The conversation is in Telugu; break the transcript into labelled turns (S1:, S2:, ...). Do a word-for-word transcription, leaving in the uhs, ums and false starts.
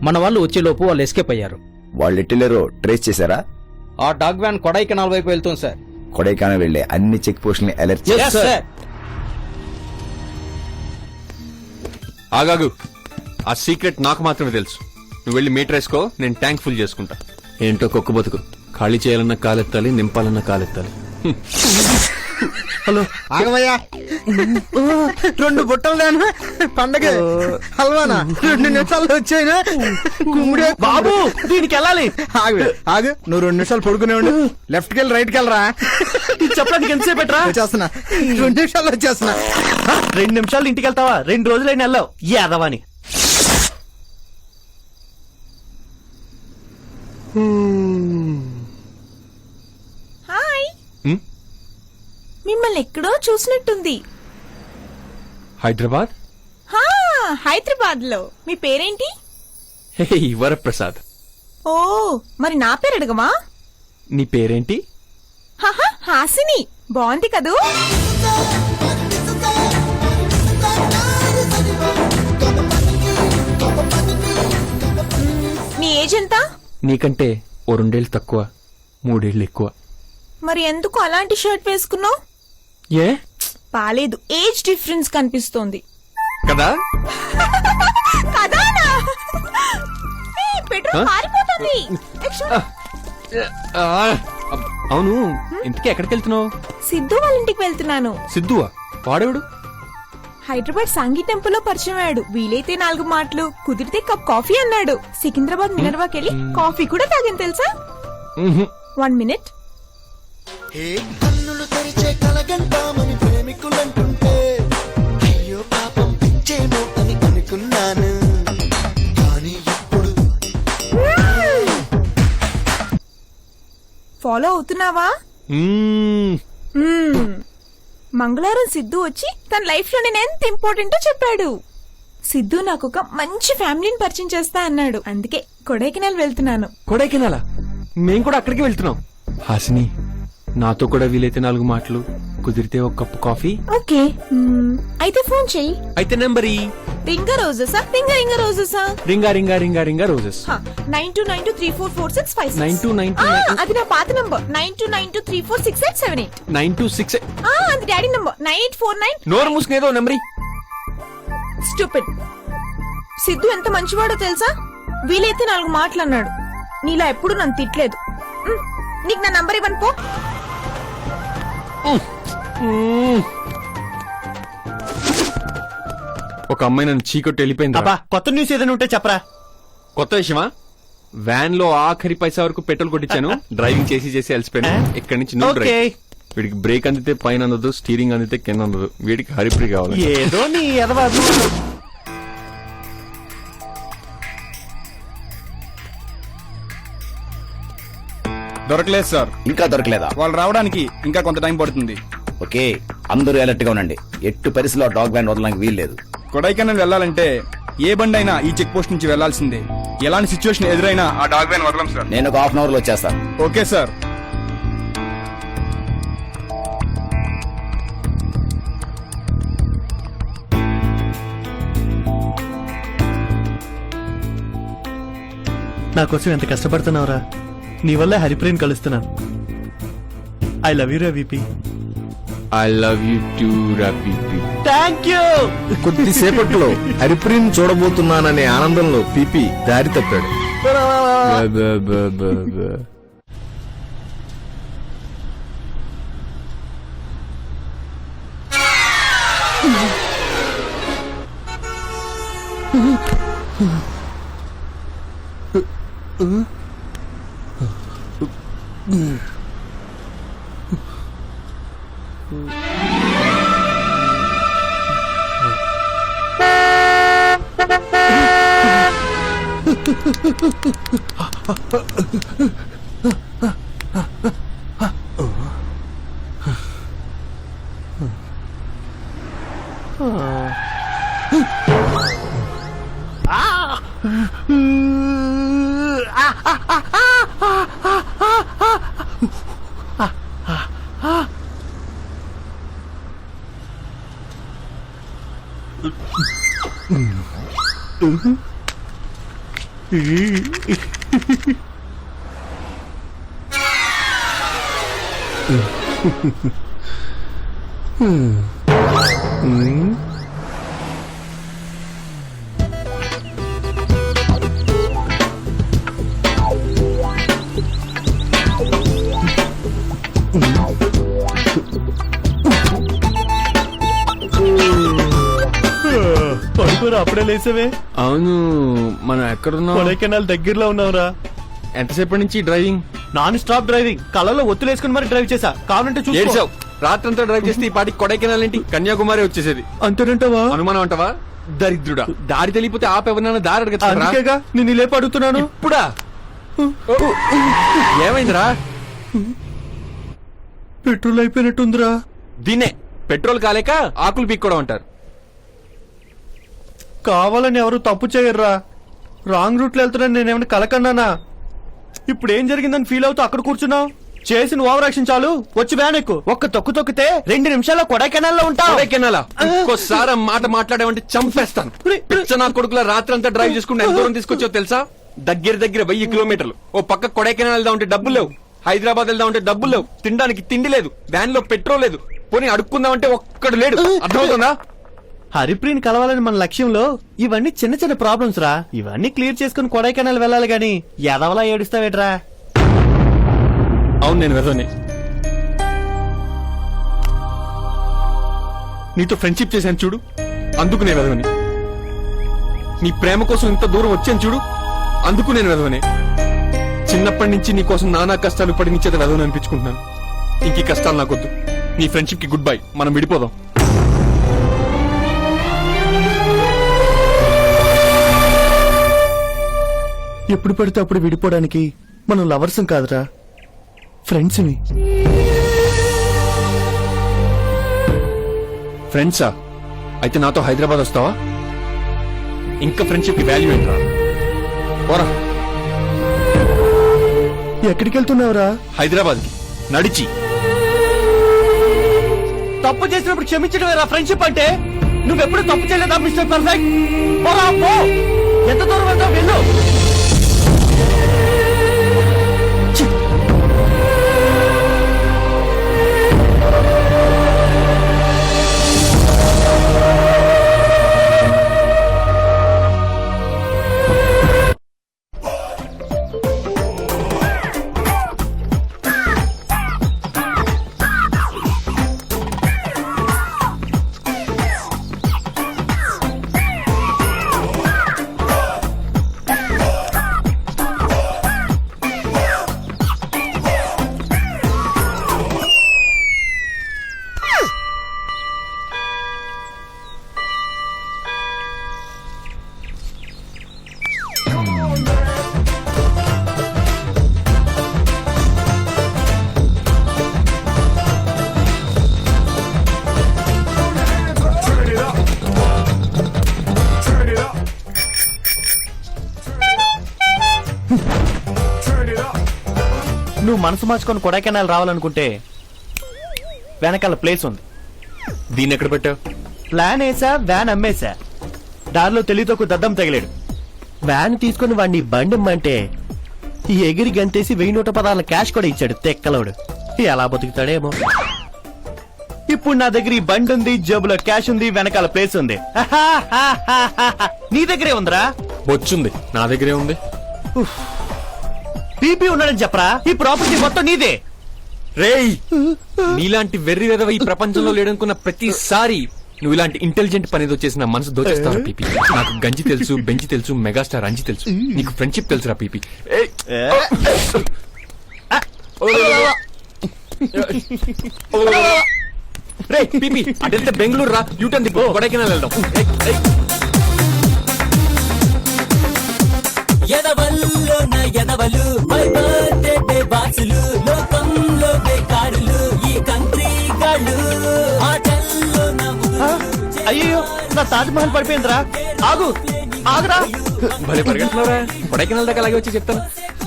S1: మన వాళ్ళు వచ్చేలోపు వాళ్ళు ఎస్కేప్ అయ్యారు.
S2: వాళ్ళు ఎట్టెళ్ళారో ట్రేస్ చేశారా?
S1: ఆ డాగ్ వ్యాన్ కొడైకెనాల్ వైపు వెళ్తుంది సార్.
S2: కొడైకెనాల్ వెళ్లే అన్ని చెక్ పోస్టుల్ని అలర్ట్ చేశారు.
S3: ఆగాగు, ఆ సీక్రెట్ నాకు మాత్రమే తెలుసు. నువ్వు వెళ్ళి మీటర్ వేసుకో, నేను ట్యాంక్ ఫుల్ చేసుకుంటా. ఏంటో కుక్క బతుకు, ఖాళీ చేయాలన్న కాలెత్తాలి, నింపాలన్న కాలెత్తాలి.
S4: హలో ఆగమయ్యా, రెండు బుట్టలు దానా పండగ హల్వానా రెండు నిమిషాలు వచ్చాయినా కుమ్ముడే బాబు దీనికి వెళ్ళాలి. ఆగు ఆగు, నువ్వు రెండు నిమిషాలు పడుకునే ఉండు. లెఫ్ట్ కి వెళ్ళి రైట్ కి వెళ్ళరా. చెప్పడానికి ఎంతసేపు పెట్టరా? వచ్చేస్తున్నా, రెండు నిమిషాలు వచ్చేస్తున్నా. రెండు నిమిషాలు ఇంటికి వెళ్తావా? రెండు రోజులైనా వెళ్ళావు యాదవాని.
S5: హాయ్, మిమ్మల్ని ఎక్కడో చూసినట్టుంది.
S3: హైదరాబాద్?
S5: హైదరాబాద్ లో. మీ పేరేంటి?
S3: హే వరప్రసాద్.
S5: ఓ, మరి నా పేరు అడగమా?
S3: నీ పేరేంటి?
S5: హహ, హాసిని. బాగుంది కదూ? నీ ఏజ్ ఎంత?
S3: నీకంటే ఓ రెండేళ్ళు తక్కువ, మూడేళ్ళు ఎక్కువ.
S5: మరి ఎందుకు అలాంటి షర్ట్ వేసుకున్నావు?
S3: ఏ
S5: పాలేదు, ఏజ్ డిఫరెన్స్ కనిపిస్తోంది
S3: కదా.
S5: కదానా? పెట్రోల్ మారిపోతుంది.
S3: అవును, ఇంతకీ ఎక్కడికి వెళ్తున్నావు?
S5: సిద్ధు వాళ్ళ ఇంటికి వెళ్తున్నాను.
S3: సిద్ధువా? వాడేవాడు?
S5: హైదరాబాద్ సాంఘీ టెంపుల్ లో పరిచయం అయ్యాడు. వీలైతే నాలుగు మాటలు, కుదిరితే కప్ కాఫీ అన్నాడు. సికింద్రాబాద్ మినర్వాకి వెళ్ళి కాఫీ కూడా తాగాను తెలుసా. One minute.
S6: కన్నులు తెరిచే కలగంటామని ప్రేమికులంటుంటే అయ్యో పాపం పిచ్చేమో అని అనుకున్నాను. కానీ ఇప్పుడు
S5: ఫాలో అవుతున్నావా? మంగళవారం సిద్ధు వచ్చి తన లైఫ్ లో నేను ఎంత ఇంపార్టెంటో చెప్పాడు. సిద్ధు నాకు ఒక మంచి ఫ్యామిలీని పరిచయం చేస్తా అన్నాడు. అందుకే కొడైకెనాల్ వెళ్తున్నాను.
S3: కొడైకెనాలా? మేం కూడా అక్కడికి వెళ్తున్నాం. హాసిని, నాతో కూడా వీలైతే నాలుగు మాటలు, కుదిరితే ఒక కప్పు కాఫీ.
S5: ఓకే, అయితే ఫోన్ చెయ్యి.
S3: అయితే number
S5: ring a roses? Ring a ring a roses?
S3: Ring a ring a ring a ring a roses.
S5: Nine two nine two three four four six five
S3: nine two nine two
S5: అది నా పాత number. Nine two nine two three four six eight seven eight
S3: nine two six.
S5: అది daddy number. Nine eight four nine.
S3: నోరు మూసుకునేదో నెంబర్.
S5: స్టూపిడ్. సిద్ధు ఎంత మంచివాడో తెలుసా? వీలైతే నాలుగు మాటలు అన్నాడు. నీలా ఎప్పుడు నన్ను తిట్టలేదు. నీకు నా నంబర్ ఇవ్వను పో.
S3: ఒక అమ్మాయి నన్ను చీకొట్టి వెళ్ళిపోయింది.
S4: కొత్త న్యూస్ ఏదైనా ఉంటే చెప్పరా.
S3: కొత్త విషయమా? వ్యాన్ లో ఆఖరి పైసా వరకు పెట్రోల్ కొట్టించాను. డ్రైవింగ్ చేసి చేసి అలసిపోయాను. ఇక్కడి నుంచి నువ్వు డ్రైవ్. వీడికి బ్రేక్ అందితే పైన అందదు, స్టీరింగ్ అందితే కింద అందదు. వీడికి హరిప్రి కావాలి.
S4: ఏదో నీ ఎదవాదు.
S7: దొరకలేదు సార్.
S2: ఇంకా దొరకలేదా?
S7: వాళ్ళు రావడానికి ఇంకా కొంత టైం పడుతుంది.
S2: ఓకే, అందరూ అలర్ట్ గా ఉండండి. ఎట్టు పరిస్థితిలో డాగ్ వ్యాన్ వదలడానికి వీల్లేదు.
S7: కొడైకెనాల్ వెళ్లాలంటే ఏ బండి అయినా ఈ చెక్ పోస్ట్ నుంచి వెళ్లాల్సిందే. ఎలాంటి సిచ్యువేషన్ ఎదురైనా ఆ డాగ్ వ్యాన్ వదలం సార్.
S2: నేను ఒక హాఫ్ అన్ అవర్ లో వచ్చేస్తాను.
S7: Okay sir.
S4: నా కోసం ఎంత కష్టపడుతున్నావురా. నీ వల్ల హరిప్రేమ్ కలుస్తున్నాను. ఐ లవ్ యూ రా VP.
S3: I love you too రా పీపీ.
S4: Thank you.
S8: కొద్దిసేపట్లో హరిప్రీని చూడబోతున్నాననే ఆనందంలో పీపీ దారి తప్పాడు.
S9: పడుకోరా అప్పుడే లేసేవే.
S3: అవును, మనం ఎక్కడున్నాం?
S9: కొడైకెనాల్ దగ్గరలో ఉన్నావురా.
S3: ఎంతసేపటి నుంచి డ్రైవింగ్?
S9: నాన్ స్టాప్ డ్రైవింగ్, కళ్ళలో ఒత్తులేసుకుని మరి డ్రైవ్ చేసా. కావాలంటే చూసుకో.
S3: ఏడ్చావు. రాత్రంతా డ్రైవ్ చేస్తే ఈ పాటికి కొడైకెనాల్ ఏంటి కన్యాకుమారి వచ్చేసేది.
S9: అంతేనంటావా?
S3: అనుమానం అంటావా? దరిద్రుడా, దారి తెలియపోతే ఆపెవరన్నా దారి అడగచ్చు.
S9: అందుకేగా నేను లేపు అడుగుతున్నాను.
S3: ఇప్పుడా? ఏమైందిరా?
S9: పెట్రోల్ అయిపోయినట్టుందిరా.
S3: దీన్నే పెట్రోల్ కాలేక ఆకులు పీక్కోవడం అంటారు.
S9: కావాలని ఎవరు తప్పు చేయర్రా. రాంగ్ రూట్ లో వెళ్తున్నాను నేనేమైనా కలకన్నానా? ఇప్పుడు ఏం జరిగిందని ఫీల్ అవుతూ అక్కడ కూర్చున్నావు. చేసిన ఓవర్ యాక్షన్ చాలు, వచ్చి వ్యాన్ ఎక్కు. ఒక్క తొక్కు తొక్కితే రెండు నిమిషాల్లో కొడైకెనాల్ లో ఉంటావు.
S3: కొడైకెనాలా? ఇంకోసారి ఆ మాట మాట్లాడామంటే చంపేస్తాను. పిచ్చ నా కొడుకుల రాత్రంతా డ్రైవ్ చేసుకుంటే ఎంత దూరం తీసుకొచ్చావు తెలుసా? దగ్గర దగ్గర వెయ్యి కిలోమీటర్లు. ఓ పక్క కొడైకెనాల్ వెళ్దా ఉంటే డబ్బులు లేవు, హైదరాబాద్ వెళ్దా ఉంటే డబ్బులు లేవు, తినడానికి తిండి లేదు, వ్యాన్ లో పెట్రోల్ లేదు, పోనీ అడుక్కుందామంటే ఒక్కడు లేడు. అర్థమవుతుందా?
S9: హరిప్రీన్ కలవాలని మన లక్ష్యంలో ఇవన్నీ చిన్న చిన్న ప్రాబ్లమ్స్ రా. ఇవన్నీ క్లియర్ చేసుకుని కొడైకెనాల్ వెళ్ళాలి గాని ఎదవలా ఏడుస్తావేట్రా?
S3: అవును, నేను వెదవని. నీతో ఫ్రెండ్షిప్ చేశాను చూడు, అందుకు నేను వెదవని. నీ ప్రేమ కోసం ఇంత దూరం వచ్చాను చూడు, అందుకు నేను వెదవని. చిన్నప్పటి నుంచి నీ కోసం నానా కష్టాలు పడి నీ చేత వెదవని అనిపించుకుంటున్నాను. ఇంక ఈ కష్టాలు నాకొద్దు. నీ ఫ్రెండ్షిప్ కి గుడ్ బై, మనం విడిపోదాం.
S9: ఎప్పుడు పడితే అప్పుడు విడిపోవడానికి మనం లవర్స్ కాదురా, ఫ్రెండ్స్.
S3: ఫ్రెండ్సా? అయితే నాతో హైదరాబాద్ వస్తావా? ఇంకా ఫ్రెండ్షిప్ కి వాల్యూ ఏంట్రా? పోరా.
S9: ఎక్కడికి వెళ్తున్నావురా?
S3: హైదరాబాద్ కి నడిచి.
S9: తప్పు చేసినప్పుడు క్షమించడమేరా ఫ్రెండ్షిప్ అంటే. నువ్వెప్పుడు తప్పు చేయలేదా మిస్టర్ పర్ఫెక్ట్? పోరా పో. ఎంత దూరం వెళ్తావు వెళ్ళు. నువ్వు మనసు మార్చుకొని కొడైకెనాల్ రావాలనుకుంటే వెనకాల ప్లేస్ ఉంది.
S3: దీన్ని ఎక్కడ పెట్టావు?
S9: ప్లాన్ వేసా, వ్యాన్ అమ్మేశా. దారిలో తెలియతోకు దద్దం తగిలాడు. వ్యాన్ తీసుకుని వాడిని బండి ఇమ్మంటే ఈ ఎగిరి గంతేసి వెయ్యి నూట పదాల క్యాష్ కూడా ఇచ్చాడు తెక్కలోడు. ఎలా బతుకుతాడేమో. ఇప్పుడు నా దగ్గర ఈ బండి ఉంది, జేబులో క్యాష్ ఉంది, వెనకాల ప్లేస్ ఉంది. నీ దగ్గరే ఉందిరా?
S3: బొచ్చుంది, నా దగ్గరే ఉంది.
S9: పీపీ ఉన్నాడని చెప్పరా? ఈ ప్రాపర్టీ మొత్తం నీదే.
S3: రేయ్, నీలాంటి వెర్రి వెదవ ఈ ప్రపంచంలో లేడనుకున్న ప్రతిసారి నువ్వు ఇలాంటి ఇంటెలిజెంట్ పని ఏదో చేసి నా మనసు దోచేస్తావు పీపీ. నాకు గంజి తెలుసు, బెంచి తెలుసు, మెగాస్టార్ అంజి తెలుసు. నీకు ఫ్రెండ్షిప్ తెలుసురా పీపీ. రే పీపీ, అటెళ్తే బెంగళూరు రా, యూటర్న్ దిప్పు, కొడైకెనాల్ వెళ్దాం.
S10: ఎదవల్లో నా ఎదవలు, మై బర్త్డే బాసులు, లోకంలో బేకారులు, ఈ కంట్రీ గాళ్ళు, ఆటల్లో
S9: అయ్యో, నా తాజ్ మహల్ పడిపోయిందిరా. ఆగు, ఆగురా.
S3: భలే పరిగెడుతున్నారా? కొడైకెనాల్ దాకా అలాగే వచ్చి చెప్తాను.